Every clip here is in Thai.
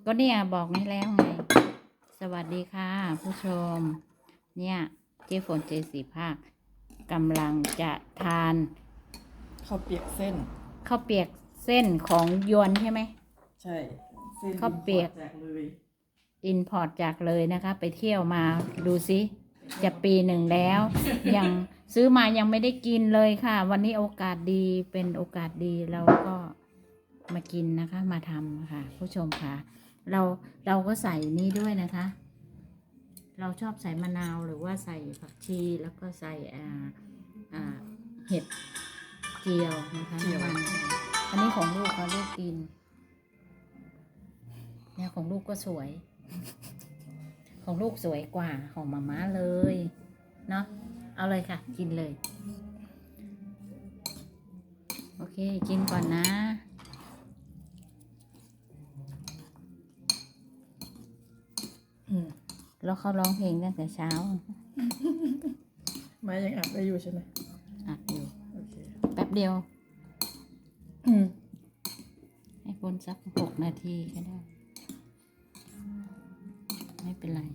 ก็เนี่ยบอกนี่แล้วไง สวัสดีค่ะผู้ชม เนี่ยเจ๊ฝนเจสีภาคกำลังจะทานข้าวเปียกเส้นข้าวเปียกเส้นของยวนใช่ไหมใช่เส้นข้าวเปียกจากเลยอินพอร์ตจากเลยนะคะ ไปเที่ยวมาดูซิจะปีหนึ่งแล้ว ยังซื้อมายังไม่ได้กินเลยค่ะ วันนี้โอกาสดีเป็นโอกาสดีเราก็มากินนะคะ มาทำค่ะ ผู้ชมค่ะ เราก็ใส่นี้ด้วยนะคะ เราชอบใส่มะนาวหรือว่าใส่ผักชีแล้วก็ใส่เห็ดเจียวนะคะน้ำมันอันนี้ของลูกเขาลูกกินเนี่ยของลูกก็สวย ของลูกสวยกว่าของมาม่าเลยเนาะเอาเลยค่ะ กินเลย โอเคกินก่อนนะ แล้วเขาร้องเพลงตั้งแต่เช้าไม้ยังอัดได้อยู่ใช่ไหมอัดอยู่โอเคแป๊บเดียว ให้พ้นสัก6 นาทีก็ได้ ไม่เป็นไร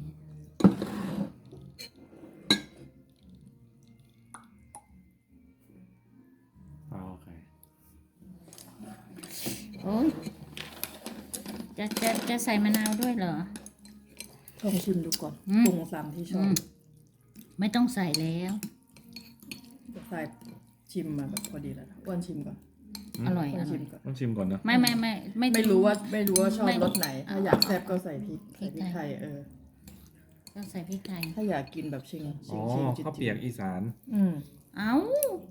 โอเคโอ้ยจะใส่มะนาวด้วยเหรอลองชิมดูก่อนอืมปรุงตามที่ชอบไม่ต้องใส่แล้วใส่ชิมมาแบบพอดีแล้วนะอ้วนชิมก่อนอร่อยอ้วอน ร่ชิอยมก่อนต้องชิมก่อนนะไม่ไม่รู้ว่าชอบไม่รสไหน ถ้าอยากแซ่บก็ใส่พริกพริใส่กพริกไทไทยยต้องใส่พริกไทยถ้าอยากกินแบบชิงอ๋อจิตข้าวเปียกอีสานเอ้า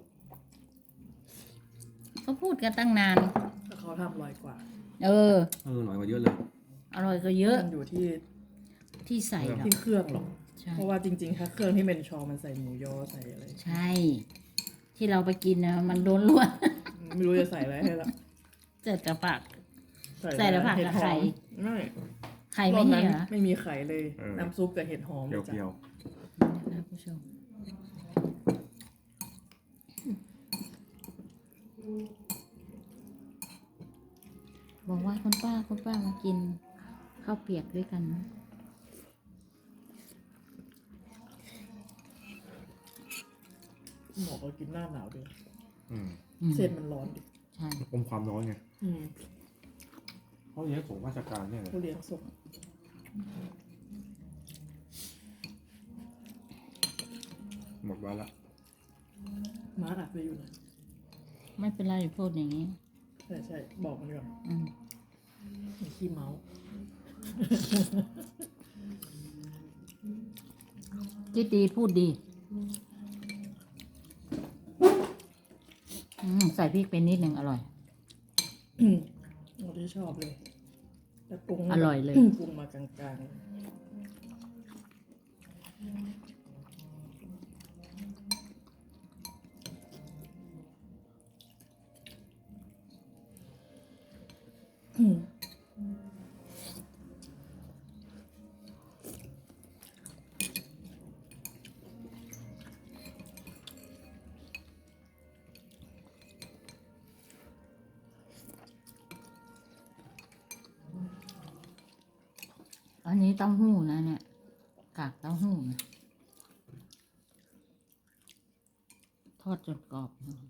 เขาพูดกันตั้งนานถ้าเขาทำอร่อยกว่าเอออร่อยกว่าเยอะเลยอร่อยก็เยอะมันอยู่ที่ที่ใส่หรอกที่เครื่องหรอกใช่เพราะว่าจริงๆ ถ้าเครื่องที่เป็นชอมันใส่หมูยอใส่อะไรใช่ ที่เราไปกินนะมันล้วนไม่รู้จะใส่อะไรให้ละๆเจ็ดกระปัก ใส่แต่ผักกับไข่ไม่ไข่รไม่อบมีนั้นเหรอไม่มีไข่เลยเออน้ำซุปกับเห็ดหอมเปรี้ยวนะผู้ชมบอกว่าคุณป้ามากินข้าวเปียกด้วยกันนะหมอก็กินหน้าหนาวด้วยๆอืมเส้นมันร้อนดิใช่อมความร้อนไงอืมเขาเลี้ยงส่งราชการเนี่ยเลยผู้เลี้ยงส่งหมดวันละม้าอัดไปอยู่นะไม่เป็นไรพูดอย่างนี้ใช่บอกมันก่อนอืมมีขี้เมาส์คิดดีพูดดีใส่พริกไปนิดหนึ่งอร่อยเราที่ชอบเลยแต่ปรุงอร่อยเลยปรุงมากลางๆอันนี้เต้าหู้นะเนี่ย กากเต้าหู้นะทอดจนกรอบนะ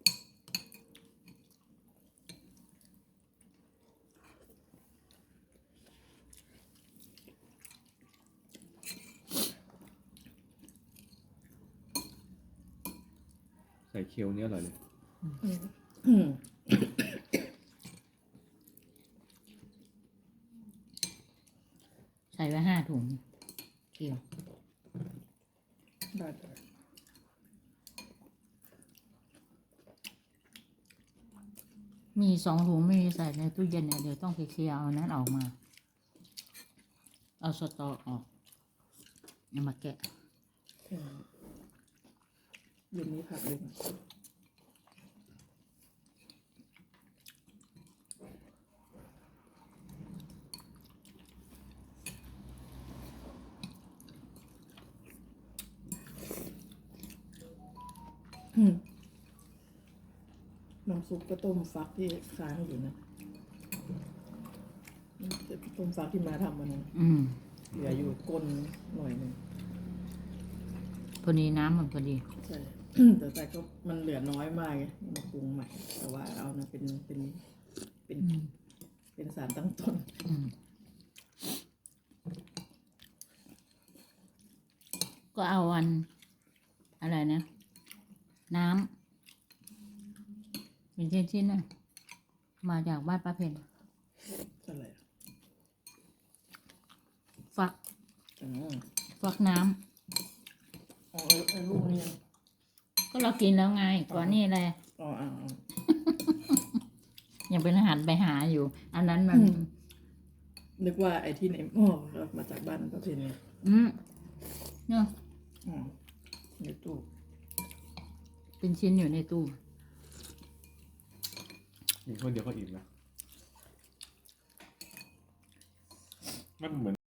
ใส่เคียวเนี้ยอร่อยเลยใส่ไว้5 ถุงเกี่ยวได้มี2 ถุงไม่มีใส่ในตู้เย็นเนี่ยเดี๋ยวต้องไปเคลียร์เอานั้นออกมา เอาสตอออกเอามาแกะเย็นนี้ผักเลยนะน้ำซุปก็ต้มฟักที่ค้างอยู่นะต้ต้มฟักที่มาทำมันนั้นอืมเหลืออยู่ก้นหน่อยหนึ่งพอดีน้ำมันพอดีใช่ แต่ก็มันเหลือน้อยมากไงมาปรุงใหม่ แต่ว่าเอานะเป็นอืมเป็นสารตั้งต้นอืมก็เอาอัน อะไรนะ น้ำเป็นชิ้นๆน่ะ มาจากบ้านป้าเพนอะไรฟักอ๋อฟักน้อ๋อไอ้ลูกนี่ยังำก็เรากินแล้วไง ก่อนนี่แหละอ๋ออ๋อยังเป็นอาหารไปหาอยู่ อันนั้นมันนึกว่าไอ้ที่ในหม้อเรามาจากบ้านประเพณีอืมเนาะอ๋อในตู้เป็นชิ้นอยู่ในตู้กินคนเดียวก็อิ่มนะมันเหมือน